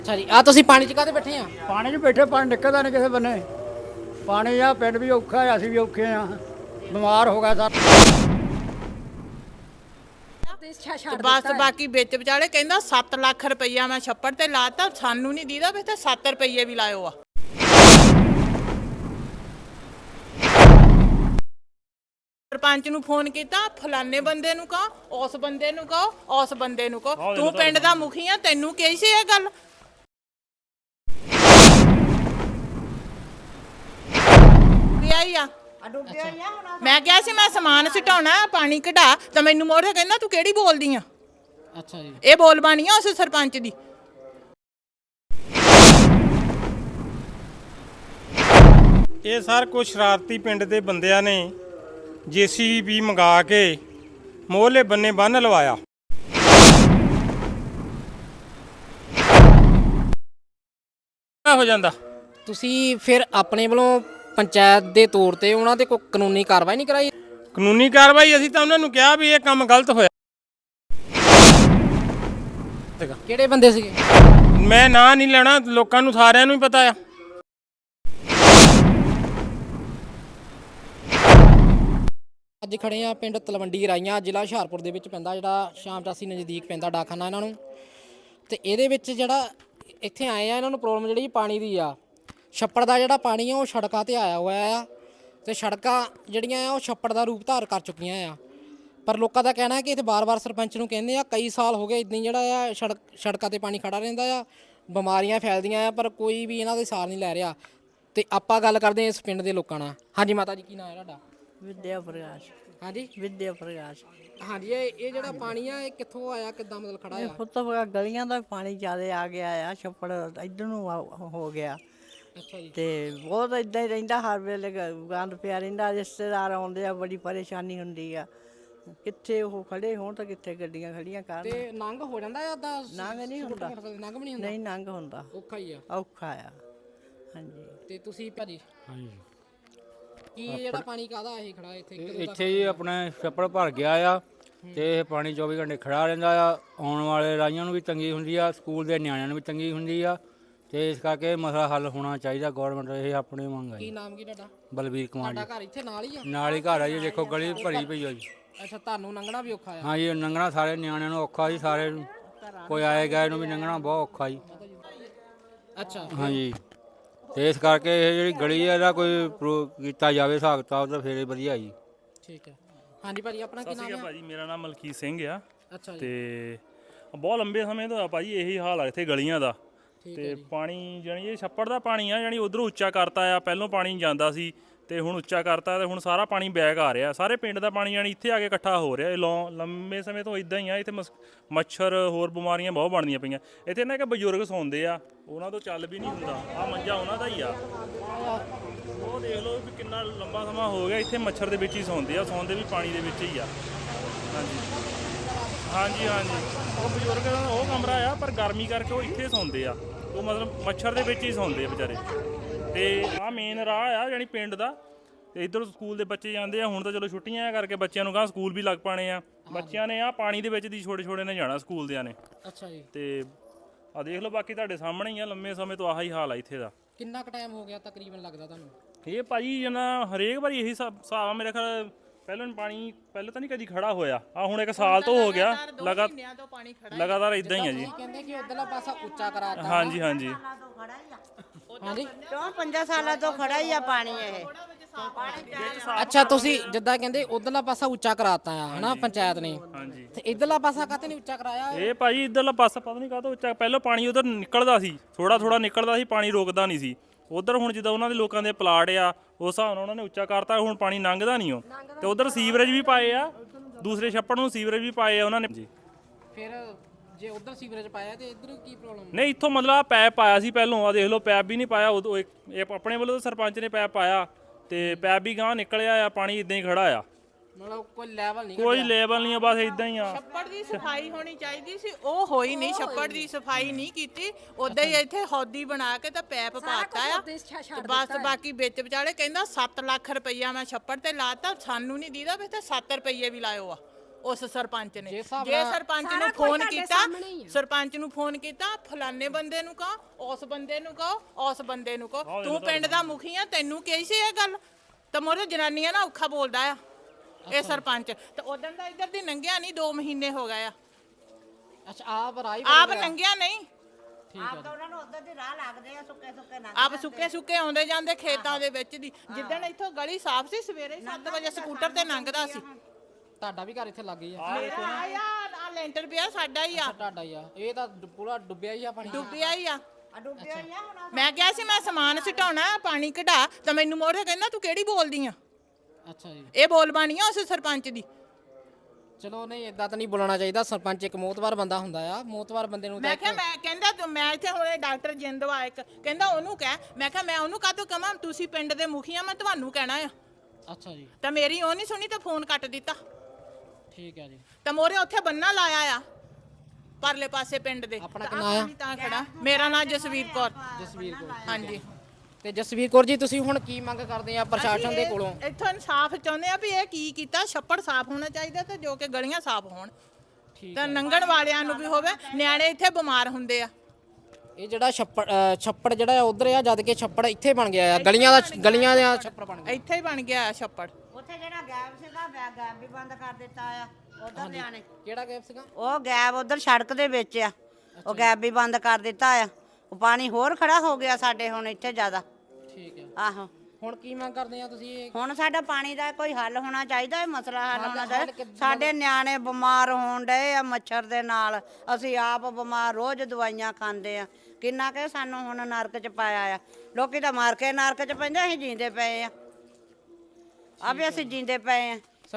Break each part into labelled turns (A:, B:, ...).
A: ਅੱਛਾ ਜੀ ਆ ਤੁਸੀਂ ਪਾਣੀ 'ਚ ਕਾਹਦੇ ਬੈਠੇ ਆ?
B: ਪਾਣੀ 'ਚ ਬੈਠੇ, ਪਾਣੀ ਨਿਕਲਦਾ ਨਹੀਂ ਕਿਸੇ ਬੰਨੇ। ਪਾਣੀ ਆ, ਪਿੰਡ ਵੀ ਔਖਾ ਹੈ, ਅਸੀਂ ਵੀ ਔਖੇ ਆ, ਬਿਮਾਰ ਹੋ ਗਿਆ ਸਰ।
C: ਤੇ ਬਸ ਬਾਕੀ ਵਿੱਚ ਵਿਚਾਲੇ ਕਹਿੰਦਾ 7 ਲੱਖ ਰੁਪਈਆ ਮੈਂ ਛੱਪੜ ਤੇ ਲਾਤਾ, ਸਾਨੂੰ ਨਹੀਂ ਦੀਦਾ ਵੀ ਤੇ 7 ਰੁਪਈਏ ਵੀ ਲਾਇਓ ਆ। ਸਰਪੰਚ ਨੂੰ ਫੋਨ ਕੀਤਾ, ਫਲਾਣੇ ਬੰਦੇ ਨੂੰ ਕਹੋ, ਉਸ ਬੰਦੇ ਨੂੰ ਕਹੋ, ਉਸ ਬੰਦੇ ਨੂੰ ਕਹੋ। ਤੂੰ ਪਿੰਡ ਦਾ ਮੁਖੀ ਆ, ਤੈਨੂੰ ਕਹੀ ਸੀ ਇਹ ਗੱਲ? ਆਈ ਆ ਮੈਂ ਕਿਹਾ ਸੀ ਮੈਂ ਸਮਾਨ ਸਿਟਾਉਣਾ, ਪਾਣੀ ਕਢਾ, ਤਾਂ ਮੈਨੂੰ ਮੋੜ ਕੇ ਕਹਿੰਦਾ ਤੂੰ ਕਿਹੜੀ ਬੋਲਦੀ ਆ?
A: ਅੱਛਾ ਜੀ
C: ਇਹ ਬੋਲ ਬਾਣੀ ਆ ਉਸ ਸਰਪੰਚ ਦੀ।
D: ਇਹ ਸਰ ਕੁਝ ਸ਼ਰਾਰਤੀ ਪਿੰਡ ਦੇ ਬੰਦਿਆਂ ਨੇ JCB ਮੰਗਾ ਕੇ ਮੋਹਲੇ ਬੰਨੇ ਬੰਨ ਲਵਾਇਆ। ਹੋ ਜਾਂਦਾ
A: ਤੁਸੀਂ ਫਿਰ ਆਪਣੇ ਵੱਲੋਂ ਪੰਚਾਇਤ ਦੇ ਤੌਰ ਤੇ ਉਹਨਾਂ ਤੇ ਕੋਈ ਕਾਨੂੰਨੀ ਕਾਰਵਾਈ ਨਹੀਂ ਕਰਾਈ?
D: ਕਾਨੂੰਨੀ ਕਾਰਵਾਈ ਅਸੀਂ ਤਾਂ ਉਹਨਾਂ ਨੂੰ ਕਿਹਾ ਵੀ ਇਹ ਕੰਮ ਗਲਤ ਹੋਇਆ।
A: ਕਿਹੜੇ ਬੰਦੇ ਸੀਗੇ?
D: ਮੈਂ ਨਾਂ ਨਹੀਂ ਲੈਣਾ, ਲੋਕਾਂ ਨੂੰ ਸਾਰਿਆਂ ਨੂੰ ਹੀ ਪਤਾ ਆ।
A: ਅੱਜ ਖੜੇ ਆ ਪਿੰਡ ਤਲਵੰਡੀ ਰਾਈਆਂ, ਜ਼ਿਲ੍ਹਾ ਹੁਸ਼ਿਆਰਪੁਰ ਦੇ ਵਿੱਚ ਪੈਂਦਾ, ਜਿਹੜਾ ਸ਼ਾਮ ਚਾਸੀ ਨਜ਼ਦੀਕ ਪੈਂਦਾ ਡਾਕਖਾਨਾ ਇਹਨਾਂ ਨੂੰ। ਤੇ ਇਹਦੇ ਵਿੱਚ ਜਿਹੜਾ ਇੱਥੇ ਆਏ ਆ, ਇਹਨਾਂ ਨੂੰ ਪ੍ਰੋਬਲਮ ਜਿਹੜੀ ਪਾਣੀ ਦੀ ਆ। ਛੱਪੜ ਦਾ ਜਿਹੜਾ ਪਾਣੀ ਆ ਉਹ ਸੜਕਾਂ ਤੇ ਆਇਆ ਹੋਇਆ ਆ, ਤੇ ਸੜਕਾਂ ਜਿਹੜੀਆਂ ਆ ਉਹ ਛੱਪੜ ਦਾ ਰੂਪ ਧਾਰ ਕਰ ਚੁੱਕੀਆਂ ਆ। ਪਰ ਲੋਕਾਂ ਦਾ ਕਹਿਣਾ ਹੈ ਕਿ ਇੱਥੇ ਬਾਰ-ਬਾਰ ਸਰਪੰਚ ਨੂੰ ਕਹਿੰਦੇ ਆ, ਕਈ ਸਾਲ ਹੋ ਗਏ ਇੱਦਾਂ ਹੀ ਜਿਹੜਾ ਆ ਸੜਕਾਂ ਤੇ ਪਾਣੀ ਖੜਾ ਰਹਿੰਦਾ ਆ, ਬਿਮਾਰੀਆਂ ਫੈਲਦੀਆਂ ਆ, ਪਰ ਕੋਈ ਵੀ ਇਹਨਾਂ ਦੇ ਸਾਰ ਨਹੀਂ ਲੈ ਰਿਹਾ। ਤੇ ਆਪਾਂ ਗੱਲ ਕਰਦੇ ਹਾਂ ਇਸ ਪਿੰਡ ਦੇ ਲੋਕਾਂ ਨਾਲ। ਹਾਂਜੀ ਮਾਤਾ ਜੀ, ਕੀ ਨਾਮ ਹੈ ਤੁਹਾਡਾ?
E: ਵਿਦਿਆ ਪ੍ਰਕਾਸ਼।
A: ਹਾਂਜੀ
E: ਵਿਦਿਆ ਪ੍ਰਕਾਸ਼।
A: ਹਾਂਜੀ ਇਹ ਜਿਹੜਾ ਪਾਣੀ ਆ ਇਹ ਕਿੱਥੋਂ ਆਇਆ, ਕਿੱਦਾਂ ਮਤਲਬ ਖੜਾ ਆ?
E: ਪੁੱਤ ਗਲੀਆਂ ਦਾ ਪਾਣੀ ਜ਼ਿਆਦਾ ਆ ਗਿਆ ਆ, ਛੱਪੜ ਇੱਧਰ ਨੂੰ ਹੋ ਗਿਆ।
A: ਅੱਛਾ ਜੀ।
E: ਤੇ ਬਹੁਤ ਇਦਾਂ ਹੀ ਰਹਿੰਦਾ, ਹਰ ਵੇਲੇ ਗੰਦ ਪਿਆ ਰਹਿੰਦਾ, ਰਿਸ਼ਤੇਦਾਰ ਆਉਂਦੇ ਆ, ਬੜੀ ਪਰੇਸ਼ਾਨੀ ਹੁੰਦੀ ਆ। ਕਿੱਥੇ ਉਹ ਖੜੇ ਹੋਣ ਤਾਂ ਕਿੱਥੇ ਗੱਡੀਆਂ ਖੜੀਆਂ ਕਰਨ।
A: ਤੇ ਨੰਗ ਹੋ ਜਾਂਦਾ ਆ ਦਾ?
E: ਨੰਗ ਨਹੀਂ ਹੁੰਦਾ।
A: ਨੰਗ ਵੀ ਨਹੀਂ ਹੁੰਦਾ?
E: ਨਹੀਂ ਨੰਗ ਹੁੰਦਾ,
A: ਔਖਾ ਹੀ ਆ।
E: ਔਖਾ ਆ। ਹਾਂਜੀ।
A: ਤੇ ਤੁਸੀਂ ਭਾਜੀ
F: ਹਾਂਜੀ
A: ਕੀ ਜਿਹੜਾ ਪਾਣੀ ਕਾਹਦਾ ਇਹ ਖੜਾ ਇੱਥੇ?
F: ਇੱਥੇ ਜੀ ਆਪਣਾ ਛੱਪੜ ਭਰ ਗਿਆ ਆ, ਤੇ ਇਹ ਪਾਣੀ 24 ਘੰਟੇ ਖੜਾ ਰਹਿੰਦਾ ਆ। ਆਉਣ ਵਾਲੇ ਰਾਈਆਂ ਨੂੰ ਵੀ ਤੰਗੀ ਹੁੰਦੀ ਆ, ਸਕੂਲ ਦੇ ਨਿਆਣਿਆਂ ਨੂੰ ਵੀ ਤੰਗੀ ਹੁੰਦੀ ਆ, ਤੇ ਇਸ ਕਰਕੇ ਮਸਲਾ ਹੱਲ ਹੋਣਾ ਚਾਹੀਦਾ। ਗੌਰਮੈਂਟ ਇਹ ਆਪਣੀ ਮੰਗ ਹੈ
A: ਕੀ
F: ਜੀ।
A: ਨਾਮ ਕੀ ਤੁਹਾਡਾ?
F: ਬਲਬੀਰ ਕੁਮਾਰ
A: ਤੁਹਾਡਾ
F: ਜੀ।
A: ਘਰ ਇੱਥੇ ਨਾਲ ਹੀ ਆ?
F: ਨਾਲ ਹੀ ਘਰ ਆ ਜੀ, ਦੇਖੋ ਗਲੀ ਭਰੀ ਪਈ ਆ ਜੀ।
A: ਅੱਛਾ, ਤੁਹਾਨੂੰ ਲੰਘਣਾ ਵੀ ਔਖਾ ਆ?
F: ਹਾਂ ਜੀ, ਲੰਘਣਾ ਸਾਰੇ ਨਿਆਣਿਆਂ ਨੂੰ ਔਖਾ ਜੀ, ਸਾਰੇ ਨੂੰ, ਕੋਈ ਆਏ ਗਏ ਨੂੰ ਵੀ ਲੰਘਣਾ ਬਹੁਤ ਔਖਾ ਜੀ।
A: ਅੱਛਾ
F: ਹਾਂਜੀ, ਤੇ ਇਸ ਕਰਕੇ ਇਹ ਜਿਹੜੀ ਗਲੀ ਹੈ ਇਹਦਾ ਕੋਈ ਕੀਤਾ ਜਾਵੇ ਹਿਸਾਬ ਕਿਤਾਬ, ਤਾਂ ਫਿਰ ਵਧੀਆ ਜੀ।
A: ਠੀਕ ਹੈ। ਹਾਂਜੀ ਭਾਜੀ, ਆਪਣਾ ਕੀ ਨਾਮ ਆ?
G: ਭਾਜੀ ਮੇਰਾ ਨਾਮ ਮਲਕੀਤ ਸਿੰਘ ਆ।
A: ਅੱਛਾ ਜੀ।
G: ਤੇ ਬਹੁਤ ਲੰਬੇ ਸਮੇਂ ਤੋਂ ਆ ਭਾਜੀ ਇਹੀ ਹਾਲ ਆ ਇੱਥੇ ਗਲੀਆਂ ਦਾ। ਤੇ ਪਾਣੀ ਜਾਨੀ ਇਹ ਛੱਪੜ ਦਾ ਪਾਣੀ ਆ, ਜਾਨੀ ਉਧਰੋਂ ਉੱਚਾ ਕਰਤਾ ਆ। ਪਹਿਲੋਂ ਪਾਣੀ ਜਾਂਦਾ ਸੀ ਤੇ ਹੁਣ ਉੱਚਾ ਕਰਤਾ, ਤੇ ਹੁਣ ਸਾਰਾ ਪਾਣੀ ਬੈਕ ਆ ਰਿਹਾ। ਸਾਰੇ ਪਿੰਡ ਦਾ ਪਾਣੀ ਜਾਨੀ ਇੱਥੇ ਆ ਕੇ ਇਕੱਠਾ ਹੋ ਰਿਹਾ। ਇਹ ਲੰਬੇ ਸਮੇਂ ਤੋਂ ਇਦਾਂ ਹੀ ਆ। ਇੱਥੇ ਮੱਛਰ ਹੋਰ ਬਿਮਾਰੀਆਂ ਬਹੁਤ ਬਣਦੀਆਂ ਪਈਆਂ। ਇੱਥੇ ਨਾ ਕਿ ਬਜ਼ੁਰਗ ਸੌਂਦੇ ਆ, ਉਹਨਾਂ ਤੋਂ ਚੱਲ ਵੀ ਨਹੀਂ ਹੁੰਦਾ। ਆ ਮੰਜਾ ਉਹਨਾਂ ਦਾ ਹੀ ਆ। ਉਹ ਦੇਖ ਲਓ ਵੀ ਕਿੰਨਾ ਲੰਬਾ ਸਮਾਂ ਹੋ ਗਿਆ ਇੱਥੇ ਮੱਛਰ ਦੇ ਵਿੱਚ ਹੀ ਸੌਂਦੇ ਆ, ਸੌਂਦੇ ਵੀ ਪਾਣੀ ਦੇ ਵਿੱਚ ਹੀ ਆ। ਹਾਂਜੀ ਉਹ ਬਜ਼ੁਰਗ ਦਾ ਉਹ ਕਮਰਾ ਆ, ਪਰ ਗਰਮੀ ਕਰਕੇ ਉਹ ਇੱਥੇ ਸੌਂਦੇ ਆ। ਉਹ ਮਤਲਬ ਮੱਛਰ ਦੇ ਵਿੱਚ ਹੀ ਸੌਂਦੇ ਆ ਵਿਚਾਰੇ। ਤੇ ਆਹ ਮੇਨ ਰਾਹ ਆ ਜਾਣੀ ਪਿੰਡ ਦਾ, ਤੇ ਇੱਧਰ ਸਕੂਲ ਦੇ ਬੱਚੇ ਜਾਂਦੇ ਆ। ਹੁਣ ਤਾਂ ਚਲੋ ਛੁੱਟੀਆਂ ਕਰਕੇ ਬੱਚਿਆਂ ਨੂੰ ਸਕੂਲ ਵੀ ਲੱਗ ਪਾਣੇ ਆ। ਬੱਚਿਆਂ ਨੇ ਆ ਪਾਣੀ ਦੇ ਵਿੱਚ ਦੀ ਛੋਟੇ ਨੇ ਜਾਣਾ ਸਕੂਲ ਦਿਆਂ ਨੇ।
A: ਅੱਛਾ ਜੀ।
G: ਤੇ ਆ ਦੇਖ ਲਓ, ਬਾਕੀ ਤੁਹਾਡੇ ਸਾਹਮਣੇ ਹੀ ਆ। ਲੰਮੇ ਸਮੇਂ ਤੋਂ ਆਹੀ ਹਾਲ ਆ ਇੱਥੇ ਦਾ।
A: ਕਿੰਨਾ ਕੁ ਟਾਈਮ ਹੋ ਗਿਆ ਤਕਰੀਬਨ ਲੱਗਦਾ ਤੁਹਾਨੂੰ?
G: ਇਹ ਭਾਜੀ ਜਨਾ ਹਰੇਕ ਵਾਰੀ ਇਹੀ ਹਿਸਾਬ ਆ ਮੇਰੇ ਖਿਆਲ। ਪਾਣੀ ਪਹਿਲਾਂ ਤਾਂ ਨਹੀਂ ਕਦੀ ਖੜਾ ਹੋਇਆ। ਆ ਹੁਣ 1 ਸਾਲ ਤੋਂ ਹੋ ਗਿਆ ਲਗਾਤਾਰ ਇਦਾਂ ਹੀ ਆ ਜੀ।
A: ਕਹਿੰਦੇ ਕਿ ਉਧਰਲਾ ਪਾਸਾ ਉੱਚਾ ਕਰਾਤਾ।
G: ਹਾਂਜੀ
E: 4-5 ਸਾਲਾਂ ਤੋਂ ਖੜਾ ਹੀ ਆ ਪਾਣੀ ਇਹ।
A: ਅੱਛਾ, ਤੁਸੀਂ ਜਿੱਦਾਂ ਕਹਿੰਦੇ ਉਧਰਲਾ ਪਾਸਾ ਉੱਚਾ ਕਰਾਤਾ ਆ ਹਨਾ ਪੰਚਾਇਤ ਨੇ,
G: ਹਾਂਜੀ।
A: ਤੇ ਇਧਰਲਾ ਪਾਸਾ ਕਾਹਤੇ ਨਹੀਂ ਉੱਚਾ ਕਰਾਇਆ?
G: ਇਹ ਭਾਜੀ ਇੱਧਰਲਾ ਪਾਸਾ ਪਤਾ ਨਹੀਂ ਕਾਹਤੋਂ ਉੱਚਾ। ਪਹਿਲਾਂ ਪਾਣੀ ਉਧਰ ਨਿਕਲਦਾ ਸੀ, ਥੋੜਾ ਨਿਕਲਦਾ ਸੀ, ਪਾਣੀ ਰੁਕਦਾ ਨਹੀਂ ਸੀ ਉਧਰ। ਹੁਣ ਜਿੱਦਾਂ ਉਹਨਾਂ ਦੇ ਲੋਕਾਂ ਦੇ ਪਲਾਟ ਆ, ਉਸ ਹਿਸਾਬ ਨਾਲ ਉਹਨਾਂ ਨੇ ਉੱਚਾ ਕਰਤਾ। ਹੁਣ ਪਾਣੀ ਲੰਘਦਾ ਨਹੀਂ ਉਹ। ਤੇ ਉਧਰ ਸੀਵਰੇਜ ਵੀ ਪਾਏ ਆ, ਦੂਸਰੇ ਛੱਪੜ ਨੂੰ ਸੀਵਰੇਜ ਵੀ ਪਾਏ ਆ ਉਹਨਾਂ ਨੇ ਜੀ।
A: ਫਿਰ ਜੇ ਉਧਰ ਸੀਵਰੇਜ ਪਾਇਆ ਤੇ ਇਧਰ ਕੀ ਪ੍ਰੋਬਲਮ?
G: ਨਹੀਂ, ਇੱਥੋਂ ਮਤਲਬ ਆ ਪੈਪ ਪਾਇਆ ਸੀ ਪਹਿਲੋਂ। ਆ ਦੇਖ ਲਓ, ਪੈਪ ਵੀ ਨਹੀਂ ਪਾਇਆ ਉਦੋਂ। ਇਹ ਆਪਣੇ ਵੱਲੋਂ ਤਾਂ ਸਰਪੰਚ ਨੇ ਪੈਪ ਪਾਇਆ, ਤੇ ਪੈਪ ਵੀ ਗਾਂ ਨਿਕਲਿਆ ਆ। ਪਾਣੀ ਇਦਾਂ ਹੀ ਖੜਾ ਆ,
A: ਮਤਲਬ ਕੋਈ ਲੈਵਲ ਨਹੀਂ?
G: ਕੋਈ ਲੈਵਲ ਨਹੀਂ ਆ, ਬਸ ਇਦਾਂ ਹੀ ਆ।
C: ਛੱਪੜ ਦੀ ਸਫਾਈ ਹੋਣੀ ਚਾਹੀਦੀ ਸੀ, ਉਹ ਹੋਈ ਨਹੀਂ। ਛੱਪੜ ਦੀ ਸਫਾਈ ਨਹੀਂ ਕੀਤੀ, ਉਦਾਂ ਹੀ ਇੱਥੇ ਹੌਦੀ ਬਣਾ ਕੇ ਤਾਂ ਪੈਪ ਪਾਤਾ ਆ। ਤੇ ਬਸ ਬਾਕੀ ਵਿੱਚ ਵਿਚਾਲੇ ਕਹਿੰਦਾ 7 ਲੱਖ ਰੁਪਈਆ ਮੈਂ ਛੱਪੜ ਤੇ ਲਾਤਾ, ਸਾਨੂੰ ਨਹੀਂ ਦੀਦਾ ਵੀ ਤੇ 7 ਰੁਪਈਏ ਵੀ ਲਾਇਓ ਆ। ਉਸ ਸਰਪੰਚ ਨੇ।
A: ਜੇ
C: ਜੇ ਸਰਪੰਚ ਨੂੰ ਫੋਨ ਕੀਤਾ, ਸਰਪੰਚ ਨੂੰ ਫੋਨ ਕੀਤਾ, ਫਲਾਣੇ ਬੰਦੇ ਨੂੰ ਕਹੋ, ਉਸ ਬੰਦੇ ਨੂੰ ਕਹੋ, ਉਸ ਬੰਦੇ ਨੂੰ ਕਹੋ, ਤੂੰ ਪਿੰਡ ਦਾ ਮੁਖੀ ਆ, ਤੈਨੂੰ ਕੀ ਸੀ ਇਹ ਗੱਲ? ਤਾਂ ਮੋਰੇ ਜਨਾਨੀਆਂ ਨਾ ਔਖਾ ਬੋਲਦਾ ਆ ਇਹ ਸਰਪੰਚ। ਤੇ ਉਦੋਂ ਦਾ ਇੱਧਰ ਦੀ ਲੰਘਿਆ ਨਹੀਂ, 2 ਮਹੀਨੇ ਹੋ ਗਏ ਆ।
A: ਅੱਛਾ ਆਪ ਰਾਈ
C: ਆਪ ਲੰਘਿਆ ਨਹੀਂ,
A: ਠੀਕ ਹੈ
H: ਉਹਨਾਂ ਨੂੰ ਉਧਰ ਦੀ ਰਾਹ ਲੱਗਦੇ ਆ, ਸੁੱਕੇ ਸੁੱਕੇ ਨਾ
C: ਆਪ ਸੁੱਕੇ ਸੁੱਕੇ ਆਉਂਦੇ ਜਾਂਦੇ ਖੇਤਾਂ ਦੇ ਵਿੱਚ ਦੀ। ਜਿੱਦਣ ਇੱਥੋਂ ਗਲੀ ਸਾਫ਼ ਸੀ, ਸਵੇਰੇ 7 ਵਜੇ ਸਕੂਟਰ ਤੇ ਲੰਘਦਾ ਸੀ।
A: ਤੁਹਾਡਾ ਵੀ ਘਰ ਇੱਥੇ ਲੱਗ ਗਈ ਆ?
C: ਮੇਰਾ ਆਇਆ ਆ ਲੈਂਟਰ ਪਿਆ, ਸਾਡਾ ਹੀ ਆ,
A: ਤੁਹਾਡਾ ਹੀ ਆ? ਇਹ ਤਾਂ ਪੂਰਾ ਡੁੱਬਿਆ ਹੀ ਆ ਪਾਣੀ।
C: ਡੁੱਬਿਆ ਹੀ ਆ।
H: ਡੁੱਬਿਆ ਹੀ ਆ ਹੁਣ।
C: ਮੈਂ ਕਿਹਾ ਸੀ ਮੈਂ ਸਮਾਨ ਸਿਟਾਉਣਾ, ਪਾਣੀ ਕਢਾ, ਤਾਂ ਮੈਨੂੰ ਮੋਰੇ ਕਹਿੰਦਾ ਤੂੰ ਕਿਹੜੀ ਬੋਲਦੀ ਆ?
A: ਅੱਛਾ ਜੀ,
C: ਇਹ ਬੋਲ ਬਾਣੀ ਆ ਉਸ ਸਰਪੰਚ ਦੀ।
A: ਚਲੋ ਨਹੀਂ ਇਦਾਂ ਤਾਂ ਨਹੀਂ ਬੋਲਣਾ ਚਾਹੀਦਾ। ਸਰਪੰਚ ਇੱਕ ਮੋਤਵਾਰ ਬੰਦਾ ਹੁੰਦਾ ਆ, ਮੋਤਵਾਰ ਬੰਦੇ ਨੂੰ
C: ਮੈਂ ਕਿਹਾ ਮੈਂ ਕਹਿੰਦਾ ਤੂੰ, ਮੈਂ ਇੱਥੇ ਹੁਣੇ ਡਾਕਟਰ ਜਿੰਦਵਾ ਇੱਕ ਕਹਿੰਦਾ ਉਹਨੂੰ ਕਹਿ। ਮੈਂ ਕਿਹਾ ਮੈਂ ਉਹਨੂੰ ਕਾਹਤੋਂ ਕਹਾਂ, ਤੁਸੀਂ ਪਿੰਡ ਦੇ ਮੁਖੀ ਆ, ਮੈਂ ਤੁਹਾਨੂੰ ਕਹਿਣਾ ਆ।
A: ਅੱਛਾ ਜੀ,
C: ਤਾਂ ਮੇਰੀ ਉਹ ਨਹੀਂ ਸੁਣੀ ਤਾਂ ਫੋਨ ਕੱਟ ਦਿੱਤਾ।
A: ਠੀਕ ਹੈ ਜੀ।
C: ਤਾਂ ਮੋਰੇ ਉੱਥੇ ਬੰਨਾ ਲਾਇਆ ਆ ਪਰਲੇ ਪਾਸੇ ਪਿੰਡ ਦੇ।
A: ਆਪਣਾ
C: ਤਾਂ
A: ਕੀ ਨਾਂ ਆ?
C: ਪਾਣੀ ਤਾਂ ਖੜਾ। ਮੇਰਾ ਨਾਮ ਜਸਵੀਰ ਕੌਰ।
A: ਜਸਵੀਰ ਕੌਰ।
C: ਹਾਂਜੀ।
A: ਤੇ ਜਸਵੀਰ ਕੌਰ ਜੀ, ਤੁਸੀਂ ਹੁਣ ਕੀ ਮੰਗ ਕਰਦੇ ਆ ਪ੍ਰਸ਼ਾਸਨ ਦੇ ਕੋਲੋਂ?
C: ਇੱਥੋਂ ਇਨਸਾਫ ਚਾਹੁੰਦੇ ਆ ਵੀ ਇਹ ਕੀ ਕੀਤਾ। ਛੱਪੜ ਸਾਫ਼ ਹੋਣਾ ਚਾਹੀਦਾ ਤੇ ਜੋ ਕਿ ਗਲੀਆਂ ਸਾਫ਼ ਹੋਣ,
A: ਠੀਕ
C: ਤਾਂ ਲੰਘਣ ਵਾਲਿਆਂ ਨੂੰ ਵੀ ਹੋਵੇ। ਨਿਆਣੇ ਇੱਥੇ ਬਿਮਾਰ ਹੁੰਦੇ ਆ।
A: ਇਹ ਜਿਹੜਾ ਛੱਪੜ ਜਿਹੜਾ ਆ ਉਧਰ ਆ, ਜਦ ਕਿ ਛੱਪੜ ਇੱਥੇ ਬਣ ਗਿਆ ਆ, ਗਲੀਆਂ ਦਾ ਛੱਪੜ ਬਣ ਗਿਆ।
C: ਇੱਥੇ ਹੀ ਬਣ ਗਿਆ ਆ ਛੱਪੜ।
H: ਉੱਥੇ ਜਿਹੜਾ ਗੈਬ ਸੀਗਾ, ਗੈਬ ਵੀ ਬੰਦ ਕਰ ਦਿੱਤਾ ਆ ਉਧਰ ਲਿਆਣੇ।
A: ਕਿਹੜਾ ਗੈਪ ਸੀਗਾ?
H: ਉਹ ਗੈਬ ਉਧਰ ਸੜਕ ਦੇ ਵਿੱਚ ਆ, ਉਹ ਗੈਬ ਵੀ ਬੰਦ ਕਰ ਦਿੱਤਾ ਆ। ਉਹ ਪਾਣੀ ਹੋਰ ਖੜਾ ਹੋ ਗਿਆ ਸਾਡੇ ਹੁਣ ਇੱਥੇ ਜ਼ਿਆਦਾ।
A: ਠੀਕ ਹੈ।
H: ਆਹੋ,
A: ਹੁਣ ਕੀ ਮੰਗ ਕਰਦੇ ਆ ਤੁਸੀਂ?
H: ਹੁਣ ਸਾਡਾ ਪਾਣੀ ਦਾ ਕੋਈ ਹੱਲ ਹੋਣਾ ਚਾਹੀਦਾ, ਇਹ ਮਸਲਾ ਹੱਲ ਹੋਣਾ ਚਾਹੀਦਾ। ਸਾਡੇ ਨਿਆਣੇ ਬਿਮਾਰ ਹੋਣ ਡਏ ਆ ਮੱਛਰ ਦੇ ਨਾਲ, ਅਸੀਂ ਆਪ ਬਿਮਾਰ, ਰੋਜ਼ ਦਵਾਈਆਂ ਖਾਂਦੇ ਆ। ਕਿੰਨਾ ਕਿ ਸਾਨੂੰ ਹੁਣ ਨਰਕ ਚ ਪਾਇਆ ਆ। ਲੋਕੀ ਤਾਂ ਮਾਰ ਕੇ ਨਰਕ ਚ ਪੈਂਦੇ, ਅਸੀਂ ਜੀਂਦੇ ਪਏ ਆ। ਆਪੇ ਅਸੀਂ ਜੀਂਦੇ ਪਏ ਆ।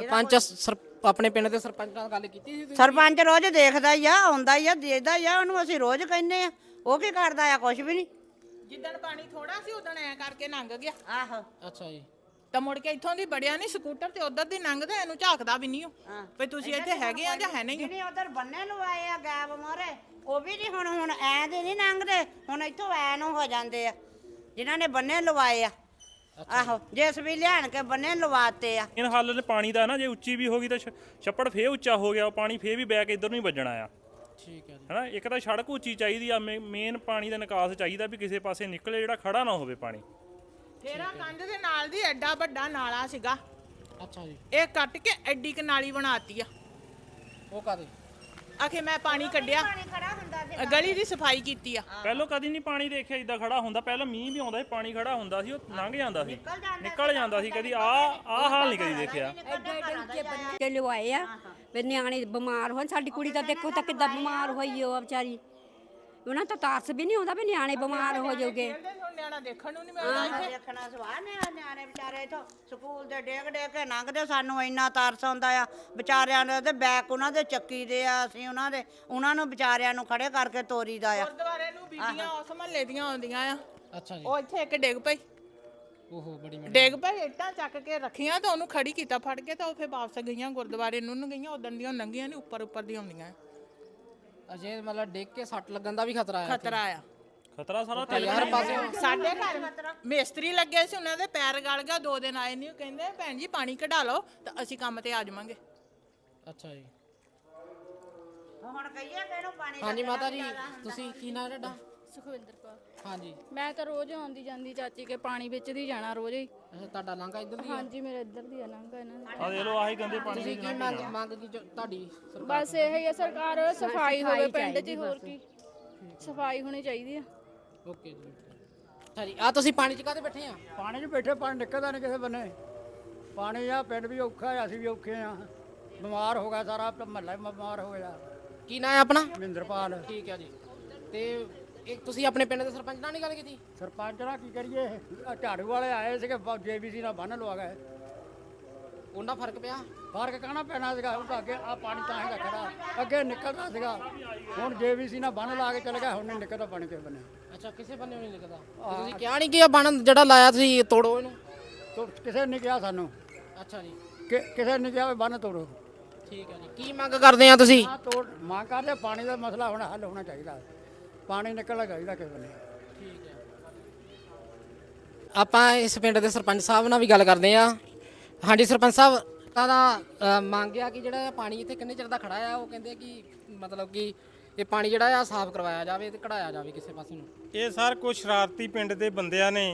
A: ਆਪਣੇ ਪਿੰਡ ਦੇ ਸਰਪੰਚ ਨਾਲ ਗੱਲ ਕੀਤੀ ਸੀ ਤੁਸੀਂ?
H: ਸਰਪੰਚ ਰੋਜ਼ ਦੇਖਦਾ ਹੀ ਆ, ਆਉਂਦਾ ਹੀ ਆ, ਦੇਖਦਾ ਹੀ ਆ, ਉਹਨੂੰ ਅਸੀਂ ਰੋਜ਼ ਕਹਿੰਦੇ ਆ। ਉਹ ਕੀ ਕਰਦਾ ਆ? ਕੁਛ ਵੀ ਨਹੀਂ।
C: ਜਿੱਦਣ ਪਾਣੀ ਥੋੜਾ ਸੀ ਉਦਣ ਐ ਕਰਕੇ ਲੰਘ ਗਿਆ।
H: ਆਹੋ,
A: ਅੱਛਾ ਜੀ।
C: ਤਾਂ ਮੁੜ ਕੇ ਇੱਥੋਂ ਦੀ ਬੜਿਆ ਨਹੀਂ, ਸਕੂਟਰ ਤੇ ਉਧਰ ਦੀ ਲੰਘਦਾ, ਇਹਨੂੰ ਝਾਕਦਾ ਵੀ ਨਹੀਂ ਉਹ ਵੀ ਤੁਸੀਂ ਇੱਥੇ ਹੈਗੇ ਆ ਜਾਂ ਹੈ ਨਹੀਂ।
H: ਜਿਹੜੇ ਉਧਰ ਬੰਨੇ ਲਵਾਏ ਆ ਗੈਬ ਮੋਰੇ, ਉਹ ਵੀ ਨਹੀਂ ਹੁਣ ਐ ਦੇ ਨਹੀਂ ਲੰਘਦੇ, ਹੁਣ ਇੱਥੋਂ ਐ ਨੂੰ ਹੋ ਜਾਂਦੇ ਆ ਜਿਨ੍ਹਾਂ ਨੇ ਬੰਨੇ ਲਵਾਏ ਆ। ਆਹੋ, ਜਿਸ ਵੀ ਲਿਆਣ ਕੇ ਬੰਨੇ ਲਵਾਤੇ ਆ।
G: ਇਹ ਹੱਲ ਪਾਣੀ ਦਾ ਨਾ, ਜੇ ਉੱਚੀ ਵੀ ਹੋ ਗਈ ਤਾਂ ਛੱਪੜ ਫੇਰ ਉੱਚਾ ਹੋ ਗਿਆ, ਉਹ ਪਾਣੀ ਫੇਰ ਵੀ ਬੈਕ ਇੱਧਰ ਨੂੰ ਹੀ ਵੱਜਣਾ ਆ।
A: ਠੀਕ ਹੈ ਜੀ।
G: ਹੈਨਾ, ਇੱਕ ਤਾਂ ਸੜਕ ਉੱਚੀ ਚਾਹੀਦੀ ਆ, ਮੇਨ ਪਾਣੀ ਦਾ ਨਿਕਾਸ ਚਾਹੀਦਾ ਵੀ ਕਿਸੇ ਪਾਸੇ ਨਿਕਲੇ, ਜਿਹੜਾ ਖੜਾ ਨਾ ਹੋਵੇ ਪਾਣੀ।
C: ਤੇਰਾ ਕੰਧ ਦੇ ਨਾਲ ਦੀ ਐਡਾ ਵੱਡਾ ਨਾਲਾ ਸੀਗਾ,
A: ਅੱਛਾ ਜੀ।
C: ਇਹ ਕੱਟ ਕੇ ਐਡੀ ਕ ਨਾਲੀ ਬਣਾਤੀ ਆ।
A: ਉਹ ਕਾਦੇ?
C: ਆਖੇ ਮੈਂ ਪਾਣੀ ਕੱਢਿਆ, ਗਲੀ ਦੀ ਸਫਾਈ ਕੀਤੀ ਆ।
G: ਪਹਿਲੋਂ ਕਦੀ ਨਹੀਂ ਪਾਣੀ ਦੇਖਿਆ ਇਦਾਂ ਖੜਾ ਹੁੰਦਾ। ਪਹਿਲਾਂ ਮੀਂਹ ਵੀ ਆਉਂਦਾ ਸੀ, ਪਾਣੀ ਖੜਾ ਹੁੰਦਾ ਸੀ, ਉਹ ਲੰਘ ਜਾਂਦਾ ਸੀ, ਨਿਕਲ ਜਾਂਦਾ ਸੀ। ਕਦੀ ਆਹ ਹਾਲ ਨਹੀਂ ਕਦੀ ਦੇਖਿਆ।
I: ਕੇ ਲਵਾਏ ਆ ਵੀ ਨਿਆਣੇ ਬਿਮਾਰ ਹੋਣ। ਸਾਡੀ ਕੁੜੀ ਤਾਂ ਦੇਖੋ ਤਾਂ ਕਿੱਦਾਂ ਬਿਮਾਰ ਹੋਈ ਉਹ ਵਿਚਾਰੀ, ਉਹਨਾਂ ਤਾਂ ਤਰਸ ਵੀ ਨਹੀਂ ਆਉਂਦਾ ਵੀ ਨਿਆਣੇ ਬਿਮਾਰ ਹੋ ਜਾਓਗੇ।
C: ਨਿਆਣਾ ਦੇਖਣ ਨੂੰ ਨਹੀਂ ਮਿਲਦਾ ਇੱਥੇ।
H: ਦੇਖਣਾ ਸਵਾਹ ਨੇ ਨਿਆਣੇ ਵਿਚਾਰੇ ਇਥੋਂ ਸਕੂਲ ਦੇ ਡੇਗ ਕੇ ਲੰਘਦੇ, ਸਾਨੂੰ ਇੰਨਾ ਤਰਸ ਆਉਂਦਾ ਆ ਵਿਚਾਰਿਆਂ ਦੇ। ਤੇ ਬੈਕ ਉਹਨਾਂ ਦੇ ਚੱਕੀ ਦੇ ਆ, ਅਸੀਂ ਉਹਨਾਂ ਨੂੰ ਵਿਚਾਰਿਆਂ ਨੂੰ ਖੜੇ ਕਰਕੇ ਤੋਰੀਦਾ ਆ।
C: ਗੁਰਦੁਆਰੇ ਨੂੰ ਬੀਬੀਆਂ ਉਸ ਮਹੱਲੇ ਦੀਆਂ ਆਉਂਦੀਆਂ ਆ,
A: ਅੱਛਾ ਜੀ।
C: ਉਹ ਇੱਥੇ ਇੱਕ ਡਿੱਗ ਪਈ,
A: ਓਹੋ ਬੜੀ
C: ਡਿੱਗ ਪਈ, ਇੱਟਾਂ ਚੱਕ ਕੇ ਰੱਖੀਆਂ ਤਾਂ ਉਹਨੂੰ ਖੜੀ ਕੀਤਾ ਫੜ ਕੇ, ਤਾਂ ਉਹ ਫਿਰ ਵਾਪਸ ਗਈਆਂ ਗੁਰਦੁਆਰੇ ਨੂੰ ਗਈਆਂ। ਉਦੋਂ ਦੀਆਂ ਲੰਘੀਆਂ ਨਹੀਂ, ਉੱਪਰ ਦੀ ਆਉਂਦੀਆਂ।
A: ਅਜੇ ਮਤਲਬ ਡਿੱਗ ਕੇ ਸੱਟ ਲੱਗਣ ਦਾ ਵੀ ਖਤਰਾ ਆ?
C: ਖਤਰਾ ਆ,
G: ਖਤਰਾ ਸਾਰਾ
A: ਹਰ ਪਾਸੇ।
C: ਸਾਡੇ ਘਰ ਮਿਸਤਰੀ ਲੱਗੇ ਸੀ, ਉਹਨਾਂ ਦੇ ਪੈਰ ਗਲ ਗਿਆ, 2 ਦਿਨ ਆਏ ਨਹੀਂ। ਉਹ ਕਹਿੰਦੇ ਭੈਣ ਜੀ ਪਾਣੀ ਕਢਾ ਲਓ ਤਾਂ ਅਸੀਂ ਕੰਮ ਤੇ ਆ ਜਾਵਾਂਗੇ।
A: ਅੱਛਾ ਜੀ।
H: ਹੁਣ ਕਹੀਏ ਕਿ ਇਹਨੂੰ ਪਾਣੀ
A: ਹਾਂਜੀ ਮਾਤਾ ਜੀ, ਤੁਸੀਂ ਕੀ ਨਾਂ ਤੁਹਾਡਾ?
J: ਸੁਖਵਿੰਦਰ ਕੌਰ।
A: ਹਾਂਜੀ।
J: ਮੈਂ ਤਾਂ ਰੋਜ਼ ਆਉਂਦੀ ਜਾਂਦੀ ਚਾਚੀ ਕੇ ਪਾਣੀ ਵਿੱਚ ਦੀ ਜਾਣਾ ਰੋਜ਼ ਹੀ।
A: ਅੱਛਾ, ਤੁਹਾਡਾ ਲਾਂਘਾ ਇੱਧਰ ਦੀ ਆ?
J: ਹਾਂਜੀ, ਮੇਰੇ ਇੱਧਰ ਦੀ ਆ ਲੰਘਾ ਇਹਨਾਂ ਦਾ।
G: ਆ ਦੇਖ ਲਓ, ਆਹੀ ਗੰਦੇ ਪਾਣੀ
A: ਤੁਸੀਂ ਕੀ ਮੰਗ ਕੀ ਤੁਹਾਡੀ?
J: ਬਸ ਇਹ ਹੀ ਆ, ਸਰਕਾਰ ਸਫਾਈ ਹੋਵੇ ਪਿੰਡ 'ਚ, ਹੋਰ ਕੀ ਸਫਾਈ ਹੋਣੀ ਚਾਹੀਦੀ ਆ।
A: ਓਕੇ ਜੀ। ਅੱਛਾ ਜੀ, ਆ ਤੁਸੀਂ ਪਾਣੀ 'ਚ ਕਾਹਦੇ ਬੈਠੇ ਆ?
B: ਪਾਣੀ 'ਚ ਬੈਠੇ, ਪਾਣੀ ਨਿਕਲਦਾ ਨਹੀਂ ਕਿਸੇ ਬੰਨੇ। ਪਾਣੀ ਆ, ਪਿੰਡ ਵੀ ਔਖਾ ਆ, ਅਸੀਂ ਵੀ ਔਖੇ ਆ। ਬਿਮਾਰ ਹੋ ਗਿਆ ਸਾਰਾ ਮਹੱਲਾ, ਬਿਮਾਰ ਹੋ ਗਿਆ।
A: ਕੀ ਨਾਂ ਹੈ ਆਪਣਾ?
B: ਮਹਿੰਦਰਪਾਲ।
A: ਠੀਕ ਹੈ ਜੀ। ਤੇ ਇਹ ਤੁਸੀਂ ਆਪਣੇ ਪਿੰਡ ਦੇ ਸਰਪੰਚ ਨਾਲ ਨਹੀਂ ਗੱਲ ਕੀਤੀ?
B: ਸਰਪੰਚ ਨਾਲ ਕੀ ਕਰੀਏ, ਆਹ ਝਾੜੂ ਵਾਲੇ ਆਏ ਸੀਗੇ, JBC ਨਾਲ ਬੰਨ ਲਵਾ ਗਏ।
A: ਉਹਨਾਂ ਫਰਕ ਪਿਆ?
B: ਫਰਕ ਕਹਿਣਾ ਪੈਣਾ ਸੀਗਾ। ਉਹ ਤਾਂ ਅੱਗੇ ਆ ਪਾਣੀ ਤਾਂ ਹੈਗਾ ਖੜਾ, ਅੱਗੇ ਨਿਕਲਦਾ ਸੀਗਾ। ਹੁਣ JBC ਨਾਲ ਬੰਨ ਲਾ ਕੇ ਚਲੇ ਗਿਆ, ਹੁਣ ਨਹੀਂ ਨਿਕਲਦਾ ਪਾਣੀ ਕਿਸੇ ਬੰਨੇ।
A: ਅੱਛਾ, ਕਿਸੇ ਬੰਨੇ ਨਹੀਂ ਨਿਕਲਦਾ। ਤੁਸੀਂ ਕਿਹਾ ਨਹੀਂ ਕਿ ਇਹ ਬੰਨ ਜਿਹੜਾ ਲਾਇਆ ਤੁਸੀਂ ਤੋੜੋ ਇਹਨੂੰ?
B: ਕਿਸੇ ਨੇ ਕਿਹਾ ਸਾਨੂੰ,
A: ਅੱਛਾ ਜੀ।
B: ਕਿਸੇ ਨੇ ਕਿਹਾ ਵੀ ਬੰਨ ਤੋੜੋ।
A: ਠੀਕ ਹੈ ਜੀ। ਕੀ ਮੰਗ ਕਰਦੇ ਆ ਤੁਸੀਂ?
B: ਆ ਤੋੜ ਮੰਗ ਕਰਦੇ, ਪਾਣੀ ਦਾ ਮਸਲਾ ਹੁਣ ਹੱਲ ਹੋਣਾ ਚਾਹੀਦਾ। ਪਾਣੀ ਨਿਕਲਣਾ ਚਾਹੀਦਾ ਕਿਸੇ ਬੰਨੇ।
A: ਠੀਕ ਹੈ। ਆਪਾਂ ਇਸ ਪਿੰਡ ਦੇ ਸਰਪੰਚ ਸਾਹਿਬ ਨਾਲ ਵੀ ਗੱਲ ਕਰਦੇ ਆ। ਹਾਂਜੀ ਸਰਪੰਚ ਸਾਹਿਬ, ਤਾਂ ਦਾ ਮੰਗਿਆ ਕਿ ਜਿਹੜਾ ਪਾਣੀ ਇੱਥੇ ਕਿੰਨੇ ਚਿਰ ਦਾ ਖੜਾ ਆ, ਉਹ ਕਹਿੰਦੇ ਕਿ ਮਤਲਬ ਕਿ ਇਹ ਪਾਣੀ ਜਿਹੜਾ ਆ ਸਾਫ਼ ਕਰਵਾਇਆ ਜਾਵੇ ਤੇ ਕਢਾਇਆ ਜਾਵੇ ਕਿਸੇ ਪਾਸੇ ਨੂੰ।
D: ਇਹ ਸਰ ਕੁਝ ਸ਼ਰਾਰਤੀ ਪਿੰਡ ਦੇ ਬੰਦਿਆਂ ਨੇ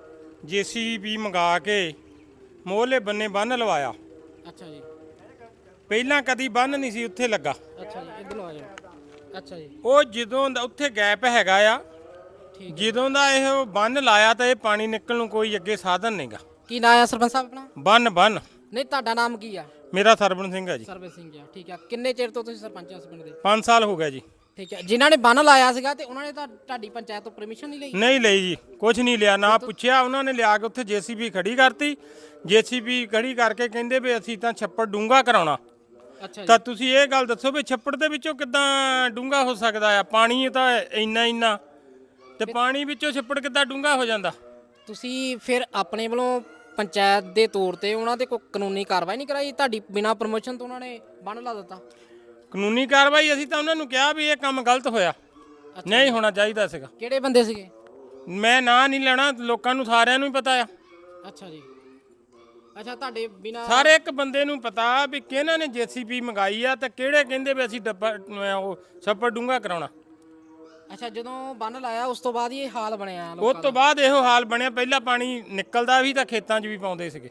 D: ਜੀਸੀਬੀ ਮੰਗਾ ਕੇ ਮੋਹਲੇ ਬੰਨੇ ਬੰਨ ਲਵਾਇਆ।
A: ਅੱਛਾ ਜੀ।
D: ਪਹਿਲਾਂ ਕਦੀ ਬੰਨ ਨਹੀਂ ਸੀ ਉੱਥੇ ਲੱਗਾ।
A: ਅੱਛਾ ਜੀ, ਇੱਧਰ ਨੂੰ ਆ ਜਾਓ। ਅੱਛਾ ਜੀ।
D: ਉਹ ਜਦੋਂ ਦਾ ਉੱਥੇ ਗੈਪ ਹੈਗਾ ਆ, ਜਦੋਂ ਦਾ ਇਹ ਬੰਨ ਲਾਇਆ ਤਾਂ ਇਹ ਪਾਣੀ ਨਿਕਲਣ ਨੂੰ ਕੋਈ ਅੱਗੇ ਸਾਧਨ ਨਹੀਂਗਾ।
A: ਕੀ ਨਾਂ ਆ ਸਰਪੰਚ ਸਾਹਿਬ ਆਪਣਾ?
D: ਬੰਨ
A: ਨਹੀਂ, ਤੁਹਾਡਾ ਨਾਮ ਕੀ ਆ?
D: ਮੇਰਾ ਸਰਬਨ ਸਿੰਘ ਹੈ ਜੀ।
A: ਸਰਬਜੀਤ ਸਿੰਘ ਆ, ਠੀਕ ਆ। ਕਿੰਨੇ ਚਿਰ ਤੋਂ ਤੁਸੀਂ ਸਰਪੰਚ ਇਸ ਪਿੰਡ ਦੇ?
D: 5 ਸਾਲ ਹੋ ਗਏ ਜੀ।
A: ਠੀਕ ਹੈ। ਜਿਨ੍ਹਾਂ ਨੇ ਬੰਨ ਲਾਇਆ ਸੀਗਾ ਤੇ ਉਹਨਾਂ ਨੇ ਤਾਂ ਤੁਹਾਡੀ ਪੰਚਾਇਤ ਤੋਂ ਪਰਮਿਸ਼ਨ ਨਹੀਂ ਲਈ?
D: ਨਹੀਂ ਲਈ ਜੀ, ਕੁਝ ਨਹੀਂ ਲਿਆ, ਨਾ ਪੁੱਛਿਆ। ਉਹਨਾਂ ਨੇ ਲਿਆ ਕੇ ਉੱਥੇ ਜੀਸੀਬੀ ਖੜੀ ਕਰਤੀ। ਜੀਸੀਬੀ ਖੜੀ ਕਰਕੇ ਕਹਿੰਦੇ ਵੀ ਅਸੀਂ ਤਾਂ ਛੱਪੜ ਡੂੰਘਾ ਕਰਾਉਣਾ।
A: ਅੱਛਾ ਜੀ।
D: ਤਾਂ ਤੁਸੀਂ ਇਹ ਗੱਲ ਦੱਸੋ ਵੀ ਛੱਪੜ ਦੇ ਵਿੱਚੋਂ ਕਿੱਦਾਂ ਡੂੰਘਾ ਹੋ ਸਕਦਾ ਆ? ਪਾਣੀ ਤਾਂ ਇੰਨਾ ਤੇ ਪਾਣੀ ਵਿੱਚੋਂ ਛੱਪੜ ਕਿੱਦਾਂ ਡੂੰਘਾ ਹੋ ਜਾਂਦਾ?
A: ਤੁਸੀਂ ਫਿਰ ਆਪਣੇ ਵੱਲੋਂ ਪੰਚਾਇਤ ਦੇ ਤੌਰ ਤੇ ਉਹਨਾਂ ਤੇ ਕੋਈ ਕਾਨੂੰਨੀ ਕਾਰਵਾਈ ਨਹੀਂ ਕਰਾਈ? ਤੁਹਾਡੀ ਬਿਨਾਂ ਪਰਮਿਸ਼ਨ ਤੋਂ ਉਹਨਾਂ ਨੇ ਬੰਨ ਲਾ ਦਿੱਤਾ?
D: ਕਾਨੂੰਨੀ ਕਾਰਵਾਈ ਅਸੀਂ ਤਾਂ ਉਹਨਾਂ ਨੂੰ ਕਿਹਾ ਵੀ ਇਹ ਕੰਮ ਗਲਤ ਹੋਇਆ, ਨਹੀਂ ਹੋਣਾ ਚਾਹੀਦਾ ਸੀਗਾ।
A: ਕਿਹੜੇ ਬੰਦੇ ਸੀਗੇ?
D: ਮੈਂ ਨਾਂ ਨਹੀਂ ਲੈਣਾ, ਲੋਕਾਂ ਨੂੰ ਸਾਰਿਆਂ ਨੂੰ ਹੀ ਪਤਾ ਆ।
A: ਅੱਛਾ ਜੀ। ਅੱਛਾ, ਤੁਹਾਡੇ ਬਿਨਾਂ
D: ਸਾਰੇ ਇੱਕ ਬੰਦੇ ਨੂੰ ਪਤਾ ਵੀ ਕਿਹਨਾਂ ਨੇ ਜੀਸੀਬੀ ਮੰਗਾਈ ਆ ਤੇ ਕਿਹੜੇ ਕਹਿੰਦੇ ਵੀ ਅਸੀਂ ਡੱਬਾ ਉਹ ਛੱਪੜ ਡੂੰਘਾ ਕਰਾਉਣਾ।
A: ਅੱਛਾ, ਜਦੋਂ ਬੰਨ ਲਾਇਆ ਉਸ ਤੋਂ ਬਾਅਦ ਹੀ ਇਹ ਹਾਲ ਬਣਿਆ
D: ਉਸ
A: ਲੋਕਾਂ
D: ਤੋਂ ਬਾਅਦ ਇਹੋ ਹਾਲ ਬਣਿਆ। ਪਹਿਲਾਂ ਪਾਣੀ ਨਿਕਲਦਾ ਵੀ ਤਾਂ ਖੇਤਾਂ 'ਚ ਵੀ ਪਾਉਂਦੇ ਸੀਗੇ।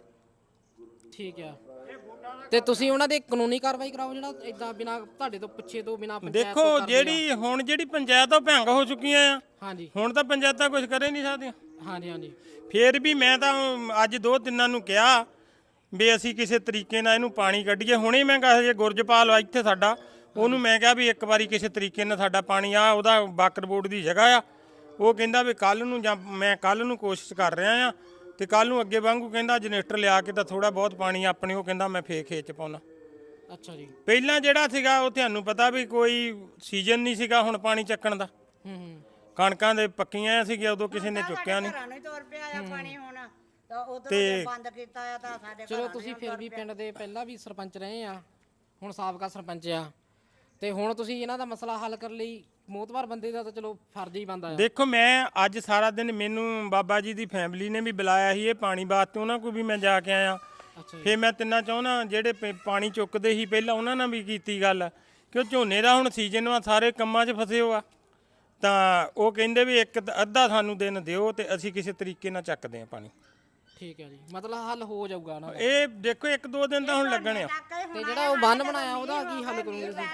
A: ਠੀਕ ਆ। ਤੇ ਤੁਸੀਂ ਉਹਨਾਂ ਦੇ ਕਾਨੂੰਨੀ ਕਾਰਵਾਈ ਕਰਾਓ ਜਿਹੜਾ ਇਦਾਂ ਬਿਨਾਂ ਤੁਹਾਡੇ ਤੋਂ ਪੁੱਛੇ ਤੋਂ ਬਿਨਾਂ ਪੰਚਾਇਤ ਤੋਂ
D: ਦੇਖੋ
A: ਕਰਦੇ ਆ।
D: ਜਿਹੜੀ ਪੰਚਾਇਤ ਉਹ ਭੰਗ ਹੋ ਚੁੱਕੀਆਂ ਆ।
A: ਹਾਂਜੀ
D: ਹੁਣ ਤਾਂ ਪੰਚਾਇਤਾਂ ਕੁਝ ਕਰੇ ਨਹੀਂ ਸਕਦੀਆਂ।
A: ਹਾਂਜੀ।
D: ਫੇਰ ਵੀ ਮੈਂ ਤਾਂ ਅੱਜ 2-3 ਨੂੰ ਕਿਹਾ ਵੀ ਅਸੀਂ ਕਿਸੇ ਤਰੀਕੇ ਨਾਲ ਇਹਨੂੰ ਪਾਣੀ ਕੱਢੀਏ। ਹੁਣੇ ਮੈਂ ਕਿਹਾ ਜੇ ਗੁਰਜਪਾਲ ਆ ਇੱਥੇ ਸਾਡਾ, ਉਹਨੂੰ ਮੈਂ ਕਿਹਾ ਵੀ ਇੱਕ ਵਾਰੀ ਕਿਸੇ ਤਰੀਕੇ ਨਾਲ ਸਾਡਾ ਪਾਣੀ ਆ, ਉਹਦਾ ਬਾਕਰ ਬੋਰਡ ਦੀ ਜਗ੍ਹਾ ਆ, ਉਹ ਕਹਿੰਦਾ ਵੀ ਕੱਲ ਨੂੰ, ਜਾਂ ਮੈਂ ਕੱਲ ਨੂੰ ਕੋਸ਼ਿਸ਼ ਕਰ ਰਿਹਾ ਆ ਤੇ ਕੱਲ ਨੂੰ ਅੱਗੇ ਵਾਂਗੂ ਕਹਿੰਦਾ ਜਨਰੇਟਰ ਲਿਆ ਕੇ ਤਾਂ ਥੋੜਾ ਬਹੁਤ ਪਾਣੀ ਆਪਣੇ, ਉਹ ਕਹਿੰਦਾ ਮੈਂ ਫੇਰ ਖੇਤ 'ਚ ਪਾਉਣਾ।
A: ਅੱਛਾ ਜੀ।
D: ਪਹਿਲਾਂ ਜਿਹੜਾ ਸੀਗਾ ਉਹ ਤੁਹਾਨੂੰ ਪਤਾ ਵੀ ਕੋਈ ਸੀਜ਼ਨ ਨਹੀਂ ਸੀਗਾ ਹੁਣ ਪਾਣੀ ਚੱਕਣ ਦਾ। ਕਣਕਾਂ ਦੇ ਪੱਕੀਆਂ ਸੀਗੀਆਂ ਉਦੋਂ ਕਿਸੇ ਨੇ ਚੁੱਕਿਆ ਨਹੀਂ।
H: ਘਰਾਂ ਨੂੰ ਹੀ ਤੁਰ ਪਿਆ ਆ ਪਾਣੀ ਹੁਣ, ਤਾਂ ਉਧਰ
D: ਤੇ
H: ਬੰਦ ਕੀਤਾ ਆ ਤਾਂ ਸਾਡੇ
A: ਚਲੋ ਤੁਸੀਂ ਫਿਰ ਵੀ ਪਿੰਡ ਦੇ ਪਹਿਲਾਂ ਵੀ ਸਰਪੰਚ ਰਹੇ ਆ, ਹੁਣ ਸਾਬਕਾ ਸਰਪੰਚ ਆ, ਤੇ ਹੁਣ ਤੁਸੀਂ ਇਹਨਾਂ ਦਾ ਮਸਲਾ ਹੱਲ ਕਰਨ ਲਈ ਮੋਤਬਾਰ ਬੰਦੇ ਦਾ ਤਾਂ ਚਲੋ ਫਰਜ਼ ਹੀ ਬਣਦਾ ਆ।
D: ਦੇਖੋ ਮੈਂ ਅੱਜ ਸਾਰਾ ਦਿਨ ਮੈਨੂੰ ਬਾਬਾ ਜੀ ਦੀ ਫੈਮਿਲੀ ਨੇ ਵੀ ਬੁਲਾਇਆ ਸੀ ਇਹ ਪਾਣੀ ਵਾਸਤੇ, ਉਹਨਾਂ ਕੋਲ ਵੀ ਮੈਂ ਜਾ ਕੇ ਆਇਆ। ਫਿਰ ਮੈਂ ਤਿੰਨਾਂ ਚਾਹੁੰਦਾ ਜਿਹੜੇ ਪਾਣੀ ਚੁੱਕਦੇ ਸੀ ਪਹਿਲਾਂ ਉਹਨਾਂ ਨਾਲ ਵੀ ਕੀਤੀ ਗੱਲ, ਕਿ ਝੋਨੇ ਦਾ ਹੁਣ ਸੀਜ਼ਨ ਆ, ਸਾਰੇ ਕੰਮਾਂ 'ਚ ਫਸੇ ਹੋ ਆ, ਤਾਂ ਉਹ ਕਹਿੰਦੇ ਵੀ ਇੱਕ ਅੱਧਾ ਸਾਨੂੰ ਦਿਨ ਦਿਓ ਤੇ ਅਸੀਂ ਕਿਸੇ ਤਰੀਕੇ ਨਾਲ ਚੱਕਦੇ ਆ ਪਾਣੀ।
A: ਠੀਕ ਹੈ ਜੀ, ਮਤਲਬ ਹੱਲ ਹੋ ਜਾਊਗਾ ਨਾ?
D: ਇਹ ਦੇਖੋ 1-2 ਦਿਨ ਤਾਂ ਹੁਣ ਲੱਗਣੇ ਆ।
A: ਤੇ ਜਿਹੜਾ ਉਹ ਬੰਨ ਬਣਾਇਆ ਉਹਦਾ ਕੀ ਹੱਲ ਕਰੋਗੇ ਤੁਸੀਂ?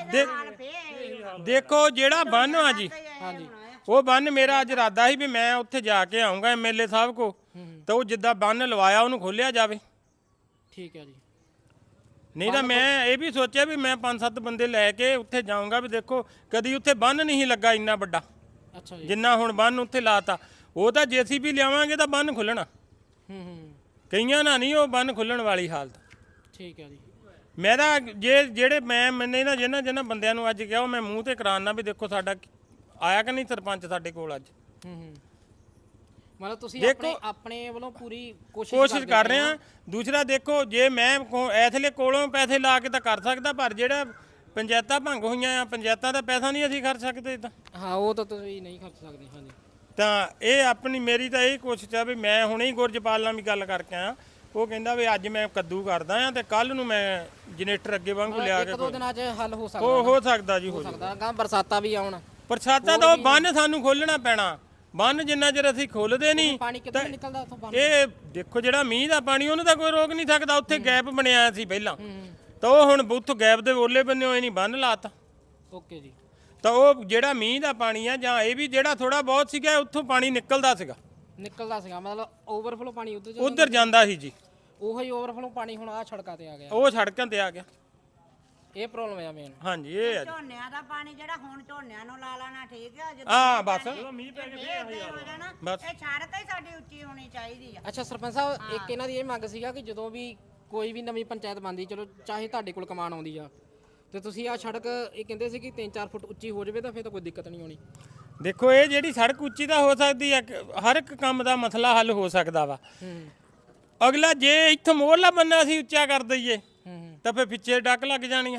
D: ਦੇਖੋ ਜਿਹੜਾ ਬੰਨ ਆ ਜੀ, ਹਾਂਜੀ, ਉਹ ਬੰਨ ਮੇਰਾ ਅੱਜ ਇਰਾਦਾ ਸੀ ਵੀ ਮੈਂ ਉੱਥੇ ਜਾ ਕੇ ਆਉਂਗਾ ਐਮਐਲਏ ਸਾਹਿਬ ਕੋ, ਤਾਂ ਉਹ ਜਿੱਦਾਂ ਬੰਨ ਲਵਾਇਆ ਉਹਨੂੰ ਖੋਲਿਆ ਜਾਵੇ।
A: ਠੀਕ ਹੈ ਜੀ।
D: ਨਹੀਂ ਤਾਂ ਮੈਂ ਇਹ ਵੀ ਸੋਚਿਆ ਵੀ ਮੈਂ 5-7 ਬੰਦੇ ਲੈ ਕੇ ਉੱਥੇ ਜਾਊਂਗਾ ਵੀ ਦੇਖੋ ਕਦੀ ਉੱਥੇ ਬੰਨ ਨਹੀਂ ਲੱਗਾ ਇੰਨਾ ਵੱਡਾ।
A: ਅੱਛਾ ਜੀ।
D: ਜਿੰਨਾ ਹੁਣ ਬੰਨ ਉੱਥੇ ਲਾਤਾ, ਉਹ ਤਾਂ ਜੀਸੀਬੀ ਲਿਆਵਾਂਗੇ ਤਾਂ ਬੰਨ ਖੁੱਲਣਾ। ਕਈਆਂ ਨਾਲ ਨਹੀਂ ਉਹ ਬੰਨ ਖੁੱਲਣ ਵਾਲੀ ਹਾਲਤ।
A: ਠੀਕ ਹੈ ਜੀ।
D: ਮੈਂ ਤਾਂ ਜਿਹੜੇ ਮੈਨੇ ਨਾ ਜਿਹਨਾਂ ਬੰਦਿਆਂ ਨੂੰ ਅੱਜ ਕਿਹਾ ਉਹ ਮੈਂ ਮੂੰਹ ਤੇ ਕਰਾਉਣਾ ਵੀ ਦੇਖੋ ਸਾਡਾ ਆਇਆ ਕਿ ਨਹੀਂ ਸਰਪੰਚ ਸਾਡੇ ਕੋਲ ਅੱਜ।
A: ਮਤਲਬ ਤੁਸੀਂ
D: ਦੇਖੋ
A: ਆਪਣੇ ਵੱਲੋਂ ਪੂਰੀ
D: ਕੋਸ਼ਿਸ਼ ਕਰ ਰਹੇ ਆ। ਦੂਸਰਾ ਦੇਖੋ ਜੇ ਮੈਂ ਐਥਲੇ ਕੋਲੋਂ ਪੈਸੇ ਲਾ ਕੇ ਤਾਂ ਕਰ ਸਕਦਾ, ਪਰ ਜਿਹੜਾ ਪੰਚਾਇਤਾਂ ਭੰਗ ਹੋਈਆਂ ਆ, ਪੰਚਾਇਤਾਂ ਦਾ ਪੈਸਾ ਨਹੀਂ ਅਸੀਂ ਖਰਚ ਸਕਦੇ ਤਾਂ।
A: ਹਾਂ, ਉਹ ਤਾਂ ਤੁਸੀਂ ਨਹੀਂ ਖਰਚ ਸਕਦੇ। ਹਾਂਜੀ।
D: ਤਾਂ ਇਹ ਆਪਣੀ ਮੇਰੀ ਤਾਂ ਇਹ ਕੋਸ਼ਿਸ਼ ਆ ਵੀ ਮੈਂ ਹੁਣੇ ਹੀ ਗੁਰਜਪਾਲ ਨਾਲ ਵੀ ਗੱਲ ਕਰਕੇ ਆਇਆ, ਉਹ ਕਹਿੰਦਾ ਵੀ ਅੱਜ ਮੈਂ ਕੱਦੂ ਕਰਦਾ ਆ ਤੇ ਕੱਲ ਨੂੰ ਮੈਂ ਜਨਰੇਟਰ ਅੱਗੇ ਵਾਂਗੂ ਲਿਆ ਕੇ
A: 1-2 ਦਿਨਾਂ 'ਚ ਹੱਲ ਹੋ ਸਕਦਾ?
D: ਹੋ ਸਕਦਾ ਜੀ, ਹੋ
A: ਸਕਦਾ। ਗਾਂ ਬਰਸਾਤਾਂ ਵੀ ਆਉਣ,
D: ਬਰਸਾਤਾਂ ਤਾਂ ਉਹ ਬੰਨ ਸਾਨੂੰ ਖੋਲਣਾ ਪੈਣਾ। ਬੰਨ ਜਿੰਨਾ ਚਿਰ ਅਸੀਂ ਖੋਲਦੇ ਨਹੀਂ,
A: ਪਾਣੀ ਕਿੱਥੋਂ ਨਿਕਲਦਾ ਉੱਥੋਂ ਬੰਨ?
D: ਇਹ ਦੇਖੋ ਜਿਹੜਾ ਮੀਂਹ ਦਾ ਪਾਣੀ ਉਹਨੂੰ ਤਾਂ ਕੋਈ ਰੋਕ ਨਹੀਂ ਸਕਦਾ। ਉੱਥੇ ਗੈਪ ਬਣਿਆ ਸੀ ਪਹਿਲਾਂ, ਤਾਂ ਉਹ ਹੁਣ ਉੱਥੋਂ ਗੈਪ ਦੇ ਓਲੇ ਬੰਨੇ ਹੋਏ ਨਹੀਂ ਬੰਨ ਲਾਤਾ।
A: ਓਕੇ ਜੀ।
D: ਤਾਂ ਉਹ ਜਿਹੜਾ ਮੀਂਹ ਦਾ ਪਾਣੀ ਆ ਜਾਂ ਇਹ ਵੀ ਜਿਹੜਾ ਥੋੜਾ ਬਹੁਤ ਸੀਗਾ ਉੱਥੋਂ ਪਾਣੀ ਨਿਕਲਦਾ ਸੀਗਾ,
A: ਮਤਲਬ ਓਵਰਫਲੋ ਪਾਣੀ
D: ਉਧਰ ਜਾਂਦਾ ਸੀ ਜੀ।
A: ਉਹੀ ਓਵਰਫਲੋ ਪਾਣੀ ਹੁਣ ਆ ਸੜਕਾਂ ਤੇ ਆ ਗਿਆ,
D: ਉਹ ਸੜਕਾਂ ਤੇ ਆ ਗਿਆ।
A: ਇਹ ਪ੍ਰੋਬਲਮ ਆ ਮੇਨ।
D: ਹਾਂਜੀ ਇਹ ਆ ਜੀ।
H: ਝੋਨਿਆਂ ਦਾ ਪਾਣੀ ਜਿਹੜਾ ਹੁਣ ਝੋਨਿਆਂ ਨੂੰ ਲਾ ਲੈਣਾ ਠੀਕ ਆ,
D: ਹਾਂ ਬਸ
H: ਮੀਂਹ ਪੈ ਕੇ ਹੋ ਜਾਣਾ,
D: ਬਸ।
H: ਇਹ ਸੜਕ ਹੀ ਸਾਡੀ ਉੱਚੀ ਹੋਣੀ ਚਾਹੀਦੀ ਆ।
A: ਅੱਛਾ ਸਰਪੰਚ ਸਾਹਿਬ, ਇੱਕ ਇਹਨਾਂ ਦੀ ਇਹ ਮੰਗ ਸੀਗਾ ਕਿ ਜਦੋਂ ਵੀ ਕੋਈ ਵੀ ਨਵੀਂ ਪੰਚਾਇਤ ਬਣਦੀ, ਚਲੋ ਚਾਹੇ ਤੁਹਾਡੇ ਕੋਲ ਕਮਾਨ ਆਉਂਦੀ ਆ, ਤੇ ਤੁਸੀਂ ਆ ਸੜਕ ਇਹ ਕਹਿੰਦੇ ਸੀ ਕਿ 3-4 ਫੁੱਟ ਉੱਚੀ ਹੋ ਜਾਵੇ ਤਾਂ ਫਿਰ ਤਾਂ ਕੋਈ ਦਿੱਕਤ ਨਹੀਂ ਆਉਣੀ।
D: ਦੇਖੋ ਇਹ ਜਿਹੜੀ ਸੜਕ ਉੱਚੀ ਤਾਂ ਹੋ ਸਕਦੀ ਹੈ, ਹਰ ਇੱਕ ਕੰਮ ਦਾ ਮਸਲਾ ਹੱਲ ਹੋ ਸਕਦਾ ਵਾ। ਅਗਲਾ ਜੇ ਇੱਥੋਂ ਮੋਹਰਲਾ ਬੰਨਾ ਅਸੀਂ ਉੱਚਾ ਕਰ ਦਈਏ ਤਾਂ ਫਿਰ ਪਿੱਛੇ ਡੱਕ ਲੱਗ ਜਾਣੀਆਂ।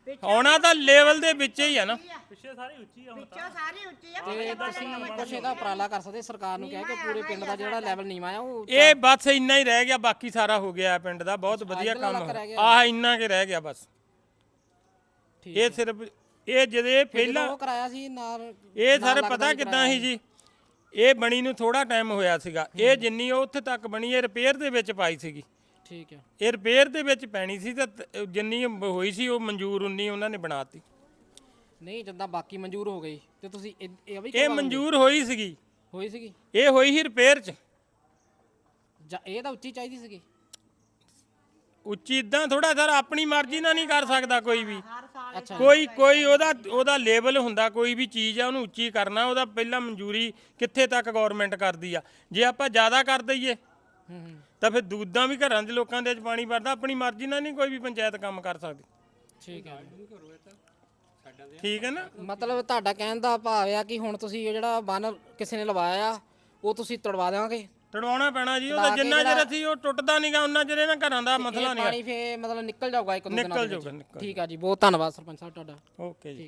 D: ਆਉਣਾ ਤਾਂ ਲੈਵਲ ਦੇ ਵਿੱਚ ਹੀ ਆ ਨਾ।
G: ਪਿੱਛੇ ਸਾਰੀ ਉੱਚੀ ਆ ਹੁਣ
H: ਵਿੱਚੋਂ ਸਾਰੀ ਉੱਚੀ ਆ
A: ਤੇ ਤੁਸੀਂ ਕੁਛ ਇਹਦਾ ਉਪਰਾਲਾ ਕਰ ਸਕਦੇ ਸਰਕਾਰ ਨੂੰ ਕਹਿ ਕੇ ਪੂਰੇ ਪਿੰਡ ਦਾ ਜਿਹੜਾ ਲੈਵਲ ਨੀਵਾਂ ਆ ਉਹ
D: ਇਹ ਬਸ ਇੰਨਾ ਹੀ ਰਹਿ ਗਿਆ, ਬਾਕੀ ਸਾਰਾ ਹੋ ਗਿਆ ਪਿੰਡ ਦਾ। ਬਹੁਤ ਵਧੀਆ ਕੰਮ ਆਹ ਇੰਨਾ ਕੇ ਰਹਿ ਗਿਆ ਬਸ। ਇਹ ਸਿਰਫ ਇਹ ਜਿਹਦੇ ਪਹਿਲਾਂ
A: ਉਹ ਕਰਾਇਆ ਸੀ ਨਾਲ
D: ਇਹ ਸਰ ਪਤਾ ਕਿੱਦਾਂ ਸੀ ਜੀ, ਇਹ ਬਣੀ ਨੂੰ ਥੋੜਾ ਟਾਈਮ ਹੋਇਆ ਸੀਗਾ। ਇਹ ਜਿੰਨੀ ਉਹ ਉੱਥੇ ਤੱਕ ਬਣੀ ਇਹ ਰਿਪੇਅਰ ਦੇ ਵਿੱਚ ਪਾਈ ਸੀਗੀ।
A: ਠੀਕ ਹੈ।
D: ਇਹ ਰਿਪੇਅਰ ਦੇ ਵਿੱਚ ਪੈਣੀ ਸੀ ਤੇ ਜਿੰਨੀ ਹੋਈ ਸੀ ਉਹ ਮਨਜ਼ੂਰ ਉਨੀ ਉਹਨਾਂ ਨੇ ਬਣਾਤੀ।
A: ਨਹੀਂ ਜਿੱਦਾਂ ਬਾਕੀ ਮਨਜ਼ੂਰ ਹੋ ਗਈ ਤੇ ਤੁਸੀਂ ਇਹ ਵੀ
D: ਇਹ ਮਨਜ਼ੂਰ ਹੋਈ ਸੀਗੀ,
A: ਹੋਈ ਸੀਗੀ
D: ਇਹ ਹੋਈ ਸੀ ਰਿਪੇਅਰ 'ਚ।
A: ਜਾਂ ਇਹ ਤਾਂ ਉੱਚੀ ਚਾਹੀਦੀ ਸੀਗੀ।
D: ਉੱਚੀ ਇਦਾਂ ਥੋੜਾ ਸਰ ਆਪਣੀ ਮਰਜ਼ੀ ਨਾਲ ਨਹੀਂ ਕਰ ਸਕਦਾ ਕੋਈ ਵੀ।
A: ਅੱਛਾ
D: ਕੋਈ ਉਹਦਾ ਲੈਵਲ ਹੁੰਦਾ, ਕੋਈ ਵੀ ਚੀਜ਼ ਆ ਉਹਨੂੰ ਉੱਚੀ ਕਰਨਾ ਉਹਦਾ ਪਹਿਲਾਂ ਮਨਜ਼ੂਰੀ ਕਿੱਥੇ ਤੱਕ ਗਵਰਨਮੈਂਟ ਕਰਦੀ ਆ। ਜੇ ਆਪਾਂ ਜ਼ਿਆਦਾ ਕਰ ਦਈਏ ਤਾਂ ਫਿਰ ਦੂਦਾਂ ਵੀ ਘਰਾਂ ਦੇ ਲੋਕਾਂ ਦੇ ਵਿੱਚ ਪਾਣੀ ਵਰਦਾ। ਆਪਣੀ ਮਰਜ਼ੀ ਨਾਲ ਨਹੀਂ ਕੋਈ ਵੀ ਪੰਚਾਇਤ ਕੰਮ ਕਰ ਸਕਦੀ।
A: ਠੀਕ ਹੈ।
D: ਠੀਕ ਹੈ ਨਾ।
A: ਮਤਲਬ ਤੁਹਾਡਾ ਕਹਿਣ ਦਾ ਭਾਵ ਆ ਕਿ ਹੁਣ ਤੁਸੀਂ ਇਹ ਜਿਹੜਾ ਬੰਨ ਕਿਸੇ ਨੇ ਲਵਾਇਆ ਆ ਉਹ ਤੁਸੀਂ ਤੜਵਾ ਦੇਵਾਂਗੇ।
D: ਤੜਵਾਉਣਾ ਪੈਣਾ ਜੀ ਉਹਦਾ। ਜਿੰਨਾ ਚਿਰ ਅਸੀਂ ਉਹ ਟੁੱਟਦਾ ਨਹੀਂਗਾ ਉਹਨਾਂ ਚਿਰ ਇਹਨਾਂ ਘਰਾਂ ਦਾ ਮਸਲਾ ਨਹੀਂ।
A: ਪਾਣੀ ਫੇ ਮਤਲਬ ਨਿਕਲ ਜਾਊਗਾ ਇੱਕ ਦੋ ਦਿਨਾਂ
D: ਨਿਕਲ
A: ਦੇ ਵਿੱਚ।
D: ਜਾਊਗਾ, ਨਿਕਲ
A: ਠੀਕ ਆ ਜੀ, ਬਹੁਤ ਧੰਨਵਾਦ ਸਰਪੰਚ ਸਾਹਿਬ ਤੁਹਾਡਾ।
D: ਓਕੇ ਜੀ।